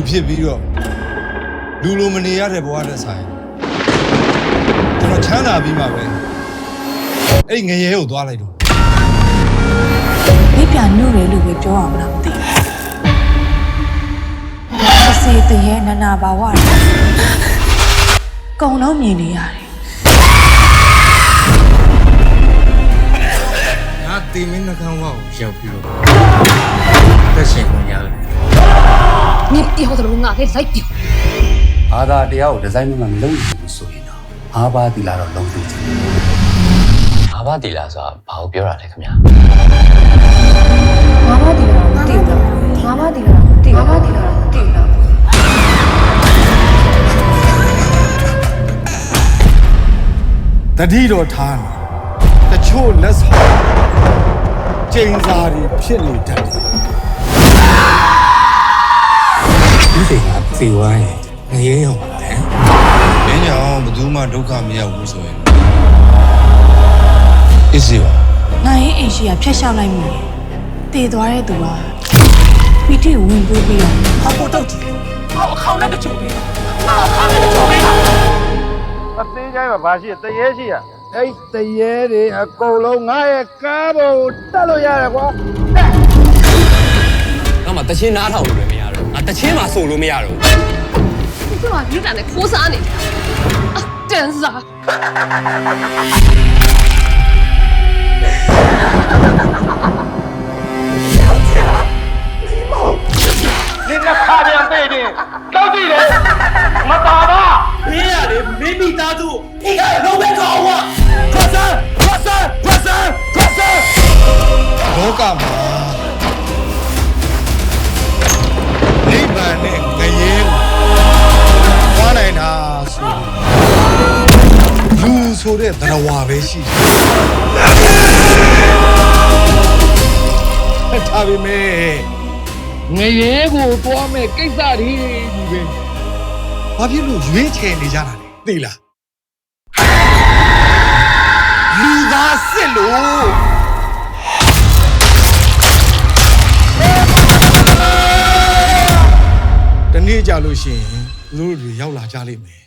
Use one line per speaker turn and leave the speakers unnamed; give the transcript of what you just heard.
ဖြစ်ပြီးတော့လူလိုမနေရတဲ့ဘဝနဲ့ဆိုင်ကျွန်တော်ချမ်းသာပြီးမှပဲအဲ့ငရဲကိုသွားလိုက်တော့
မိပြန်ညို့တယ်လို့ပဲပြောအောင်လားမသိဘူးစေတရဲ့နနာဘာဝကုံလုံးမြင်နေရတယ်
ငါတင်မင်းနှကန်းဝါကိုရောက်ပြီးတော့တက်ရှင်ခွင့်ရတယ်
你以后怎么拿给来丢？
ဘာသာတရားကိုဒီဇိုင်းမှမလုပ်ဘူးဆိုရင်တော့အားပါတီလာတော့လုံးသိချင်တယ်
။ဘာတီလာဆိုတာဘာကိုပြောတာလဲခင်ဗျာ
ငါမတီလာတော့မသိဘူးငါမတီလာတော့မသိဘူးငါမတီလာတော့မသိဘူး
တတိတော်ထားနေတချို့လက်ဆောင်ကျိန်စာတွေဖြစ်နေတတ်တယ်
ဒီစိတ်ကသေဝိုင်းငရဲရောပါလေ
မင်းကြောင့်ဘယ်သူမှဒုက္ခမရောက်ဘူးဆိုရင်အစ်စီပါ
နိုင်ရင်အိမ်ရှိကဖျက်ရှောက်လိုက်မိတယ်တည်သွားတဲ့သူကပီတိဝင်ပွေးပြီးတော့
好不斗鸡，好靠那个酒杯，好靠那个酒杯啊！
အသေးချိုင်းမှာဘာရှိတရေရှိရအဲ့တရေတွေအကုန်လုံးငါရဲ့ကားပေါ်တက်လို့ရတယ်ကွာ
ငါမှတချင်းနားထောင်လို့လည်းမရတော့ငါတချင်းမှဆိုလို့မရတော့
你干嘛你奶奶哭啥呢？啊，真是啊！
你那卡片背的到底嘞？没打吧？
别呀嘞，没米打住，你看老板搞我，快闪，快闪，快闪，快闪！
လောကမှာနိဗ္ဗာန်နဲ့ငရဲသွားနိုင်တာဆိုလူဆိုတဲ့သရဝါပဲရှိတယ်ဒါပေမဲ့ငရဲကိုသွားမဲ့ကိစ္စတွေကြီးပဲဘာဖြစ်လို့ရွေးချယ်နေကြတာလဲသိလားလူသားစစ်လို့တနေ့ကြလို့ရှိရင်သူတို့တွေရောက်လာကြလိမ့်မယ်